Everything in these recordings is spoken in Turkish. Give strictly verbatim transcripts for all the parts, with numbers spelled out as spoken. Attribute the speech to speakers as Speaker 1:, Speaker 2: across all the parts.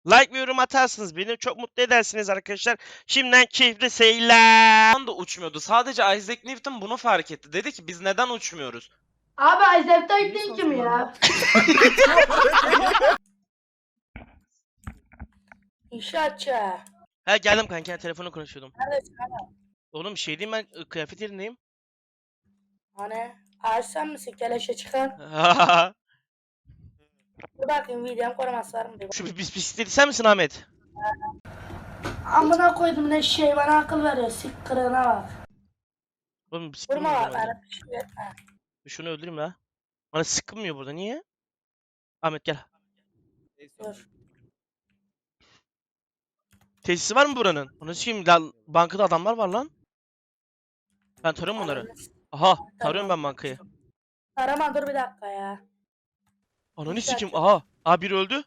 Speaker 1: Like ve yorum atarsınız. Beni çok mutlu edersiniz arkadaşlar. Şimdiden keyifli seyirler.
Speaker 2: da uçmuyordu. Sadece Isaac Newton bunu fark etti. Dedi ki biz neden uçmuyoruz?
Speaker 3: Abi Isaac Newton kim ya? İnşaatçı.
Speaker 1: Ha geldim kanka, telefonu konuşuyordum.
Speaker 3: Neredesin abi?
Speaker 1: Oğlum şey diyeyim, ben ı, kıyafet yerindeyim.
Speaker 3: Hani ağaç sen misin? Keleşe çıkan. Dur bakayım videom koruması var mı diye.
Speaker 1: Şu bis bisikleti sen misin Ahmet?
Speaker 3: Amına koydum ne şey bana akıl veriyor. Sik kırığına bak.
Speaker 1: Oğlum bisikleti
Speaker 3: Vurma
Speaker 1: mi
Speaker 3: bak
Speaker 1: öldürmem lazım?
Speaker 3: bana bir şey etme.
Speaker 1: Şunu öldüreyim la. Bana sıkılmıyor burada, niye? Ahmet gel.
Speaker 3: Dur.
Speaker 1: Tesisi var mı buranın? Onu sikeyim lan, bankada adamlar var lan. Ben tarıyorum bunları. Aha, tarıyorum ben bankayı.
Speaker 3: Arama dur bir dakika ya.
Speaker 1: Ananı
Speaker 3: İnşaatçı.
Speaker 1: sikeyim, aha. Aha biri öldü.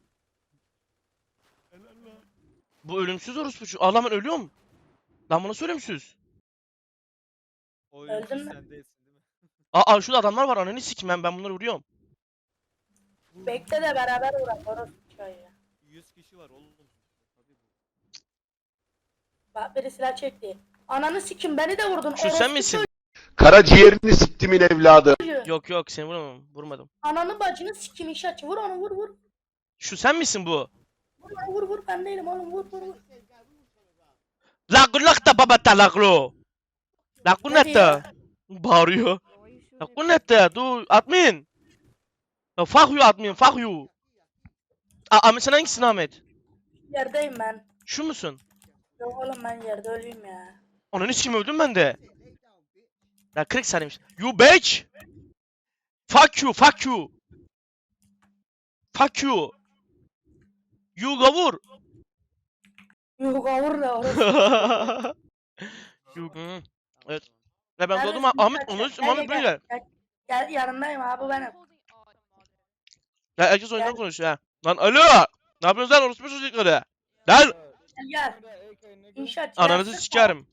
Speaker 1: Bu ölümsüz orospu şu. Aa lan ben ölüyorum. Lan bu nasıl ölümsüz?
Speaker 3: Öldün mü?
Speaker 4: Sen değilsin değil mi?
Speaker 1: Aa, aa şurada adamlar var, ananı sikeyim, ben ben bunları vuruyorum.
Speaker 3: Bekle de beraber uğrak. Orası ya.
Speaker 4: yüz kişi var oğlum. Tabii bu.
Speaker 3: Bak biri silah çekti. Ananı sikim beni de vurdun.
Speaker 1: Şu sen
Speaker 3: orospu
Speaker 1: misin?
Speaker 5: Karaciğerini siktimin evladı.
Speaker 3: çocuğu.
Speaker 1: Yok yok, seni vurmadım. Vurmadım.
Speaker 3: Ananı bacını sikim inşaatçı. Vur onu vur vur.
Speaker 1: Şu sen misin bu?
Speaker 3: Vur onu vur vur. Ben değilim oğlum vur vur vur.
Speaker 1: Lakulakta babata laklo.
Speaker 3: Ne
Speaker 1: Lakunetta.
Speaker 3: diyor?
Speaker 1: Bağırıyor. Lakunetta. Du admin. Ya, fuck you admin, fuck you. Aa, Ahmet sen hangisin Ahmet?
Speaker 3: Yerdeyim ben.
Speaker 1: Şu musun?
Speaker 3: Yok oğlum ben yerde öleyim ya.
Speaker 1: Ananı sikeyim, öldüm ben de. Ya kırk saniymiş. You bitch. Fuck you, fuck you. Fuck you. You gavur.
Speaker 3: Yok vur da orası.
Speaker 1: You. Hı. Evet. Ya ben
Speaker 3: Neredesin
Speaker 1: doğdum Ahmet,
Speaker 3: inşaatçı?
Speaker 1: onu
Speaker 3: Gel,
Speaker 1: Ahmet
Speaker 3: gel,
Speaker 1: buraya gel.
Speaker 3: Gel, gel yanındayım abi benim.
Speaker 1: Ya herkes oyundan
Speaker 3: Gel.
Speaker 1: konuşuyor ha. Lan alo. Ne yapıyorsun lan orospu çocukları? Lan.
Speaker 3: Gel gel. İnşaatçı.
Speaker 1: Ananızı
Speaker 3: gelsin.
Speaker 1: sikerim.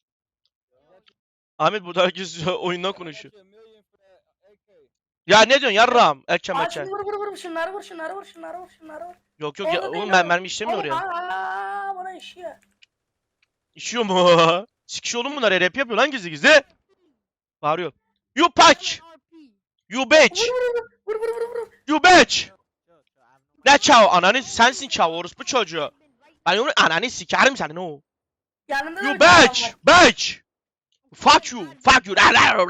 Speaker 1: Ahmet burada herkes oyundan konuşuyor. Ya ne diyorsun yarram? Erken
Speaker 3: Aa,
Speaker 1: erken.
Speaker 3: şimdi vur vur vur şunları vur şunları vur şunları vur şunları vur.
Speaker 1: Yok yok ya,
Speaker 3: Orada değil
Speaker 1: oğlum ben
Speaker 3: oğlum.
Speaker 1: mermi işlemiyor
Speaker 3: Oğlum,
Speaker 1: oraya.
Speaker 3: Aa bana işiyor.
Speaker 1: İşiyor mu? Sikiş oğlum bunlar, rap yapıyor lan gizli gizli. Bağırıyor. You bitch. You bitch.
Speaker 3: Vur vur vur vur.
Speaker 1: You bitch. Ne çav? Ananı sensin çav, orospu çocuğu. Ben onu ananı sikerim senin o.
Speaker 3: Yanında
Speaker 1: You
Speaker 3: da bir adam
Speaker 1: bitch.
Speaker 3: var.
Speaker 1: Bitch. Fuck you. Fuck you.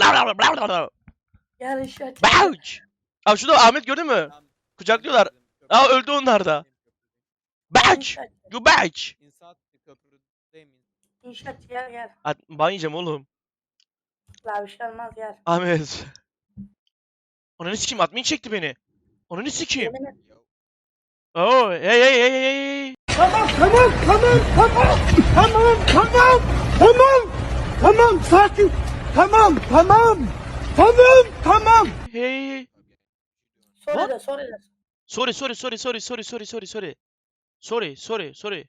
Speaker 3: Gel inşaatçı.
Speaker 1: Bitch. Abi şurada Ahmet gördün mü? Kucaklıyorlar. Aa öldü onlar da. Bitch.
Speaker 3: İnşaatçı.
Speaker 1: You bitch.
Speaker 4: İnsaat köprüdeyim.
Speaker 3: İnşaatçı gel gel.
Speaker 1: At, ban yiyeceğim oğlum.
Speaker 3: La bir şey olmaz gel.
Speaker 1: Ahmet. Ananı sikeyim, admin çekti beni. Ananı sikeyim.
Speaker 3: Yemin et.
Speaker 1: Oo hey hey hey hey hey.
Speaker 6: Tamam tamam tamam tamam tamam tamam tamam tamam sakin tamam tamam tamam tamam.
Speaker 1: Hey hey.
Speaker 3: Sorry de sorry de.
Speaker 1: Sorry sorry sorry sorry sorry sorry sorry sorry. Sorry sorry sorry.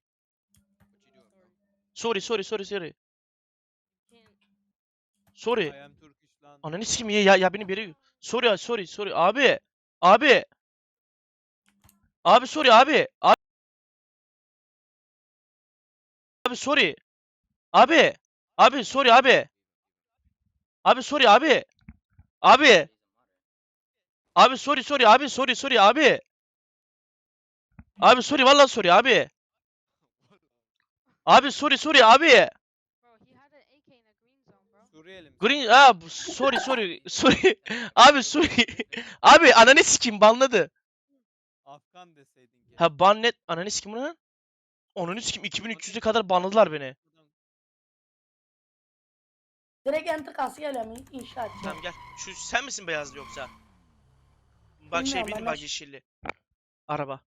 Speaker 1: Sorry sorry sorry sorry. Sorry.
Speaker 4: I am Turkish lan.
Speaker 1: Ananı sikeyim ya, ya ya beni biri. Sorry ya, sorry sorry abi. Abi. Abi sorry abi. Abi, abi sorry. Abi. Abi sorry abi. Abi sorry abi. Abi. Abi sorry sorry abi, sorry sorry abi. Abi sorry vallahi sorry abi. Abi sorry sorry abi.
Speaker 4: Suriyeli mi?
Speaker 1: Green ah bu- sorry sorry sorry. Abi sorry. Abi ananı sikeyim, banladı.
Speaker 4: Afgan deseydin ki.
Speaker 1: Ha ban net ananı sikeyim lan. Ananı sikeyim, iki bin üç yüze kadar banladılar beni.
Speaker 3: Direkt enter kası geliyor mu inşaatçı?
Speaker 1: Tamam gel. Şu sen misin beyazlı yoksa? Bak şey
Speaker 3: Bilmiyorum,
Speaker 1: benim,
Speaker 3: ben
Speaker 1: bak
Speaker 3: de-
Speaker 1: yeşilli. Araba.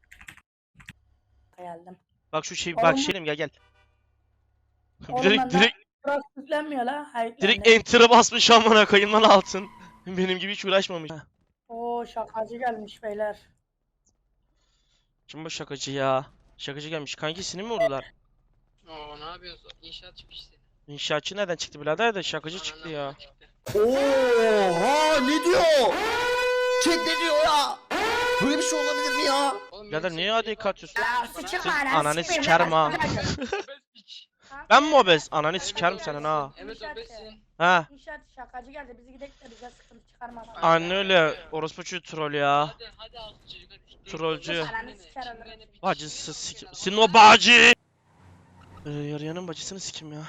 Speaker 3: Geldim.
Speaker 1: Bak şu şey,
Speaker 3: Oğlum
Speaker 1: bak
Speaker 3: bu-
Speaker 1: şeyim, gel gel.
Speaker 3: Oğlum
Speaker 1: direkt
Speaker 3: benden
Speaker 1: direkt
Speaker 3: burası yüklenmiyor la. Hayır,
Speaker 1: direkt
Speaker 3: yüklendi.
Speaker 1: enter'a basmış amına koyayım lan altın. Benim gibi hiç uğraşmamış.
Speaker 3: Oo şakacı gelmiş beyler.
Speaker 1: Kim bu şakacı ya? Şakacı gelmiş. Kankisini mi vurdular?
Speaker 7: Oo ne yapıyorsun? İnşaat çıkmıştı.
Speaker 1: İnşaatçı nereden çıktı birader de şakacı çıktı ya.
Speaker 7: Çıktı.
Speaker 5: Oha ne diyor? Chat ne diyor ya? Böyle bir şey olabilir mi ya?
Speaker 7: Oğlum
Speaker 1: Birader
Speaker 7: benim
Speaker 1: niye
Speaker 7: sevgilim
Speaker 1: adeyi
Speaker 7: var.
Speaker 1: katıyorsun?
Speaker 3: Ya
Speaker 7: Bana-
Speaker 3: sıçırma
Speaker 1: Siz
Speaker 3: ananı
Speaker 1: ananı
Speaker 3: sikeyim
Speaker 1: sikerim
Speaker 3: ya.
Speaker 1: ha.
Speaker 7: Obez piç.
Speaker 1: Ben mi obez? Ananı sikerim senin ha.
Speaker 7: Evet obezsin.
Speaker 1: Ha.
Speaker 3: İnşaat şakacı geldi. Bizi gidelim de bize sıkıntı çıkarmaz.
Speaker 1: Anne öyle. Orospu çocuğu troll ya.
Speaker 7: Hadi hadi altı çocuk hadi.
Speaker 1: Trollcü.
Speaker 3: Ananı siker alırım.
Speaker 1: Bacısı sikim. Senin o bacı. Ee, yarayanın bacısını sikim ya.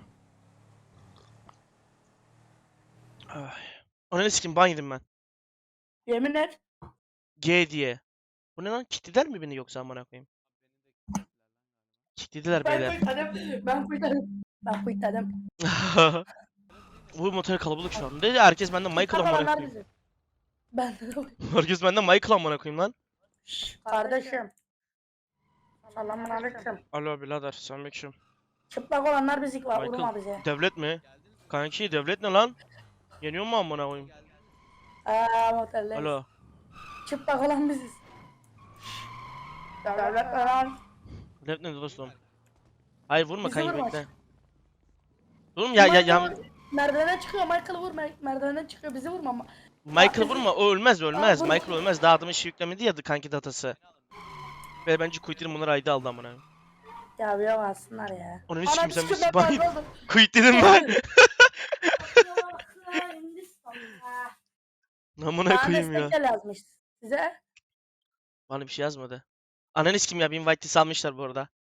Speaker 1: Ay. Ananı sikim ban yedim ben.
Speaker 3: Yemin et.
Speaker 1: G diye. Bu ne lan? Kilitlediler mi beni yoksa amına koyayım? Kilitlediler
Speaker 3: Ben
Speaker 1: beyler.
Speaker 3: kuytadım. Ben kuytadım. Ben kuytadım.
Speaker 1: Bu motor kalabalık şu an. Dedi herkes benden Michael amına
Speaker 3: Kafalanlar
Speaker 1: koyayım.
Speaker 3: bizi. Ben
Speaker 1: Herkes benden Michael amına koyayım lan.
Speaker 3: Şşş, kardeşim. Selamun aleyküm.
Speaker 1: Alo birader selamünaleyküm.
Speaker 3: Çıplak olanlar bizi var.
Speaker 1: Michael.
Speaker 3: Vurma bize.
Speaker 1: Devlet mi? Kanki devlet ne lan? Yeniyor mu amına koyayım?
Speaker 3: Aaa motorlar.
Speaker 1: Alo.
Speaker 3: Çıplak olan biziz. Devlet lan.
Speaker 1: Devlet ne dostum? Hayır vurma
Speaker 3: Bizi
Speaker 1: kanki
Speaker 3: vurma.
Speaker 1: bekle. Oğlum ya ya ya
Speaker 3: Michael Merdivene çıkıyor. Michael vurma. Merdivene çıkıyor. Bizi vurma ama.
Speaker 1: Michael vurma o ölmez ölmez.
Speaker 3: Aa, vurma.
Speaker 1: Michael ölmez. Daha adamın şey yüklemedi ya kanki datası. Ve bence Quitter'ın bunları ayda aldı amına.
Speaker 3: Ya bir alsınlar ya.
Speaker 1: Onu hiç kimse
Speaker 3: Anam
Speaker 1: bir
Speaker 3: sikim,
Speaker 1: spy.
Speaker 3: ben kayboldum.
Speaker 1: Quit dedim ben. Amına
Speaker 3: Bana
Speaker 1: koyayım ya.
Speaker 3: destek yazmış size.
Speaker 1: Bana bir şey yazmadı. Ananı kim ya? Bir invite salmışlar bu arada.